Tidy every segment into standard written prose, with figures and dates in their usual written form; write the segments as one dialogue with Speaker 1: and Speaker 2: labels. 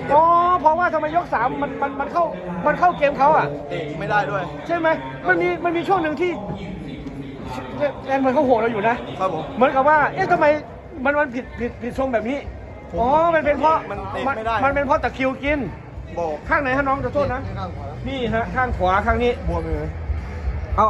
Speaker 1: อ๋อเพราะว่าทำไมยกสามมันเข้าเกมเขาอ่ะ
Speaker 2: เตะไม่ได้ด้วย
Speaker 1: ใช่ไหมมันมีช่วงหนึ่งที่แอนเหมือนเขาโหดเราอยู่นะครับ
Speaker 2: ผม
Speaker 1: เหมือนกับว่าเอ๊ะทำไมมันผิดทรงแบบนี้อ๋อมันเป็นเพราะ
Speaker 2: มันเตะไม่ได้
Speaker 1: มันเป็นเพราะตะคริวกิน
Speaker 2: บอก
Speaker 1: ข้างไหนฮะน้องขอโทษนะ
Speaker 2: ข้างขวา
Speaker 1: นี่ฮะข้างขวาข้างนี้
Speaker 2: บวมเลย
Speaker 1: เอา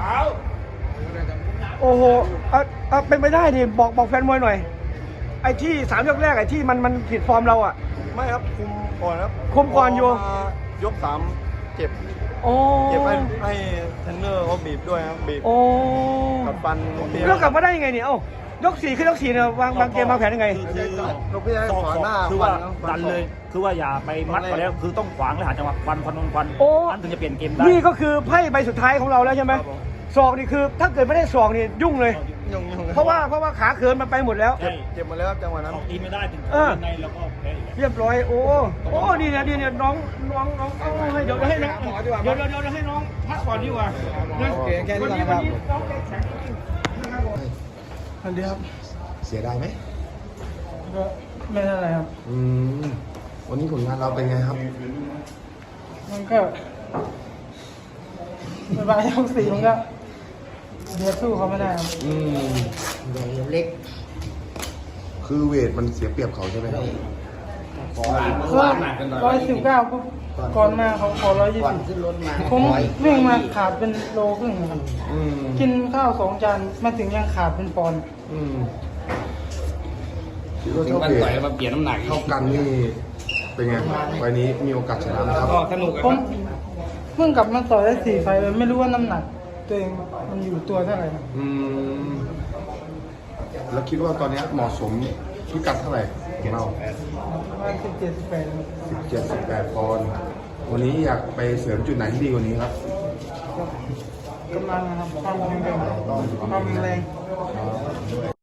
Speaker 1: โอ้โหเอาเป็นไปได้ดิบอกแฟนมวยหน่อย ไอ้ที่3 ยกแรกไอ้ที่มันผิดฟอร์มเราอ่ะ
Speaker 2: ไม่ครับคุมก่อนครับ
Speaker 1: คุมก่อนอยู่
Speaker 2: พมายก3เจ็บ
Speaker 1: โอ้
Speaker 2: เจ็บให้เทรนเนอร์เขาบีบด้วยครับบีบ
Speaker 1: โอ้
Speaker 2: กับฟันเตี้ย
Speaker 1: แล้วกลับมาได้ยังไงเนี่ยเอ้ายก4ขึ้นยก4เนี่ยวางเกมวางแผนยังไง
Speaker 2: ลูกพี่ให้ขวาหน้า
Speaker 3: คือว่า
Speaker 2: ฟั
Speaker 3: ดันเลย คือว่าอย่าไปมัดไปแล้ว คือต้องขวางและหาจังหวะควัน
Speaker 1: โอ้
Speaker 3: นั่นถึงจะเปลี่ยนเกมได้
Speaker 1: นี่ก็คือไพ่ใบสุดท้ายของเราแล้วใช่ไหมศอกนี่คือถ้าเกิดไม่ได้ศอกนี่ยุ่งเลย
Speaker 2: ยุ่ง
Speaker 1: เพราะว่าขาเขินมันไปหมดแล้ว
Speaker 3: ใช่
Speaker 2: เจ็บหมดแล้วครับจังหวะนั้น
Speaker 3: ออกตีไม่ได้ถึง
Speaker 1: เออ
Speaker 3: ในแล้วก็แพ้อีกแล้ว
Speaker 1: เรียบร้อยโอ้นี่เนี่ยน้องเอาให้เดี๋ยวให้น้องเดี๋ยวให้น้องพักก่อนดีกว่านะ
Speaker 2: โอเคแค่นี้ก่อนนะครับ
Speaker 1: วันนี้น้องแกแข็งจริงนะครับผม
Speaker 2: สวัสดีครับ
Speaker 4: เสียดายไหม
Speaker 1: ก็ไม่เท่าไรครับ
Speaker 4: วันนี้ผลงานเราเป็นไงครับ
Speaker 1: มันก็ไม่บายยก4มันก็เดี๋ยวสู้เขาไม่ได้ครับ
Speaker 4: เล็ก คือเวทมันเสียเปรียบเขาใช่ไหมครับ
Speaker 1: ก็119ปุ๊บก่อนมาเขาขอ120ผมวิ่งมาขาดเป็นโลครึ่งครับ กินข้าว2 จานมาถึงยังขาดเป็นปอนด์
Speaker 4: คิดว่า
Speaker 5: ถึง
Speaker 4: เท่า
Speaker 5: วัน
Speaker 4: เว
Speaker 5: ต่อย
Speaker 4: ท
Speaker 5: มาเปลี่ยนน้ำหนัก
Speaker 4: เท่ากันนี่เป็นไงไฟล์นี้มีโอกาสชนะไหมครับ
Speaker 5: ก็สนุก
Speaker 1: ผมเพิ่งกลับมาต่อยได้4 ไฟล์เลยไม่รู้ว่าน้ำหนัก ตัวเองมันอยู่ตัวเท่าไหร่ครับ
Speaker 4: แล้วคิดว่าตอนนี้เหมาะสมพิกัดเท่าไหร่ของเรา
Speaker 1: ประมาณ17-18ครับ
Speaker 4: 17-18 ปอนด์วันนี้อยากไปเสริมจุดไหนที่ดีกว่านี้ครับ
Speaker 1: กำลังนะครับความแข็งแรง